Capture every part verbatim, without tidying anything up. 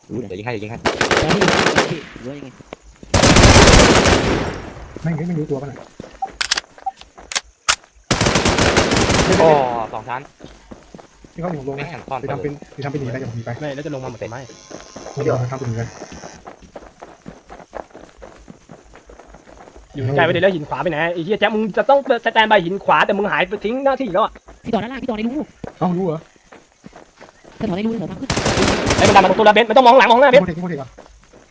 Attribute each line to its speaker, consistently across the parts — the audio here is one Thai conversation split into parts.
Speaker 1: รู้เดี๋ยวยิงให้เดี๋ยวยิงให้
Speaker 2: แล้วที่ที่รู้ยังไง
Speaker 3: ไม่ไม่รู้ตัวป่ะน่ะ
Speaker 1: โอ้สองชั้น
Speaker 3: ที่เขาหมุนลง
Speaker 1: ไม่
Speaker 3: นะ
Speaker 1: แข่งซ่อน
Speaker 3: ไปทำเป็นไปทำเป็นหนีไปจะหนีไป
Speaker 4: ไม่แล้วจะลงมาหมดไหม
Speaker 3: เดี๋ยวทำเป็นหนีไป
Speaker 4: อยู่ใจไปเลยแล้วหินขวาไปไหนไอ้เหี้ยแจ๊คมึงจะต้องสแตนบายหินขวาแต่มึงหายไปทิ้งหน้าที่แล้วอ่ะ
Speaker 2: พี่ต่อด้านล่างพี่ต่อในรู
Speaker 3: เอ้ารู้เหรอ
Speaker 2: ถ้าต่อในรูเถอะมากขึ้น
Speaker 4: ไอ้มันดันมาตรงตัวละเบนไม่ต้องมองหลังมองหน้าเบน
Speaker 3: โคตรเทคโคตรเทคอ่ะ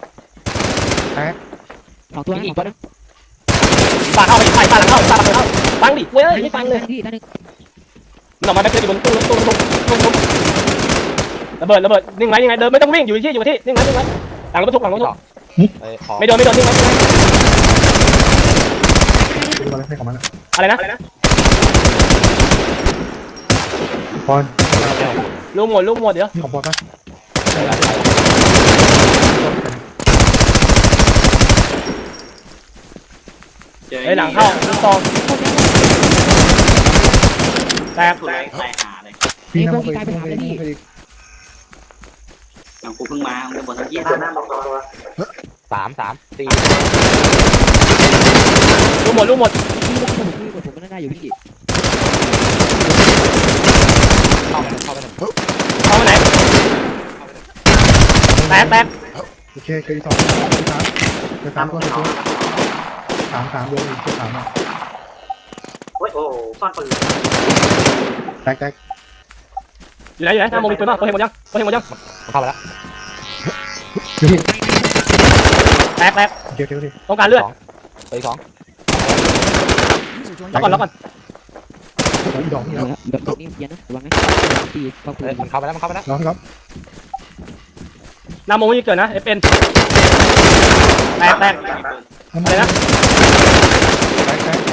Speaker 2: สองตัวสองตัวนะ
Speaker 4: ปาเข้าไปปาปาหลังเข้าปาหลังเข้าฟังดิเว้ยไม่ฟังเลย
Speaker 2: พี่ด้านนึง
Speaker 4: มันออกมาแบบอยู่บนตู้ตู้ตู้ตู้ตู้ระเบิดระเบิดนิ่งไว้ยังไงเดินไม่ต้องวิ่งอยู่ที่อยู่ที่นิ่งไว้นิ่งไว้หลังรถบรรทุกหลังรถบรรทุกไม่โดนไม่โดนนิ่งไว้
Speaker 3: ดูอะไรให้ของมันอ่ะ
Speaker 4: อะไรนะ
Speaker 3: ปอน
Speaker 4: ลูกหมดลูกหมดเดี๋ยว
Speaker 3: นี่ของปอนป่ะ
Speaker 4: ไอ้หลังเข้าลูกซองแตก
Speaker 5: ตัวแรงตายหาเลย
Speaker 3: พี่น้ำเคยเคยเคย
Speaker 5: อย่างกูเพิ่งมากูบอกทั้งยี่
Speaker 1: สามสามสี่
Speaker 4: ลูกหมดลูกหมด
Speaker 2: พี่ว่าผมพี่กดผมมันได้อยู่พี่
Speaker 1: เข้าไปเข้าไปหนึ่ง
Speaker 4: เข้ามาไหนแตกแตก
Speaker 3: โอเคเคยสองสามเคยสามตัวตัวสามสามเดือนเคยสามอ่ะ
Speaker 5: โอ้ยโอ้ซ่อนปืน
Speaker 3: แตกแตก
Speaker 4: อยู่ไหนอยู่ไหนหน้าโมมีปืนป่ะเขาเห็นหมดยังเขาเห็นหมดยัง
Speaker 1: เข้าไปแล้ว
Speaker 3: อยู่ที่
Speaker 4: แตกแตก
Speaker 3: โอเคโอเคโอเค
Speaker 4: ต้องการเลือด
Speaker 1: ไปสอง
Speaker 4: ล็อกก่อนล็อกก่อน
Speaker 3: ดอกนี่
Speaker 2: เอา
Speaker 3: แล้ว
Speaker 2: ละแบบนี้เย็นนะระวังนะพี่เข้าปื
Speaker 1: เฮ้ย
Speaker 2: น
Speaker 1: มันเข้าไปแล้วมันเข้าไปแล้ว
Speaker 3: น้องครับ
Speaker 4: หน้าโมไม่เกิดนะเอฟเอ็นแตกแตก
Speaker 3: อะไรนะแตกแตก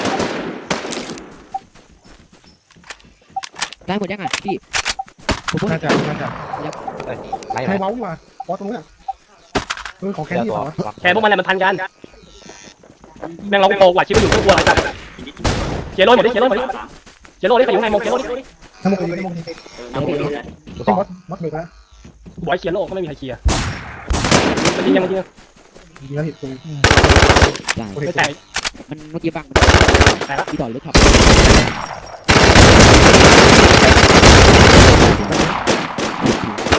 Speaker 2: ได้หมดยังอ่ะพี่ผมพูด
Speaker 3: น่าจะน่าจะ
Speaker 1: ไหน
Speaker 3: ใครเมาส์ดีกว่าปอตรงนี้อ่ะเออของแค่
Speaker 1: เดี๋ยว
Speaker 3: นี้
Speaker 1: ตัว
Speaker 3: เหรอ
Speaker 4: แค่พวกมันอะไรมันพันกันแม่งเราโกกว่าชิบอยู่ทุกตัวอะไรจัดเจโร่หมดดิเจโร่หมดดิเจโร่ดิใครอยู่ไหนโมเจโร่ดิ
Speaker 3: น้ำมันดีน้ำมันดี
Speaker 5: น้ำปืนเลย
Speaker 3: ใช่มดมดเบิกแล้ว
Speaker 4: บอยเชียร์โลกก็ไม่มีใครเชียร์มันยิงยังมันยิง
Speaker 3: ดีแล้วเห็นตรง
Speaker 2: ได้
Speaker 4: ไม่แตก
Speaker 2: มันเมื่อกี้บังพี่ต่อรถขับ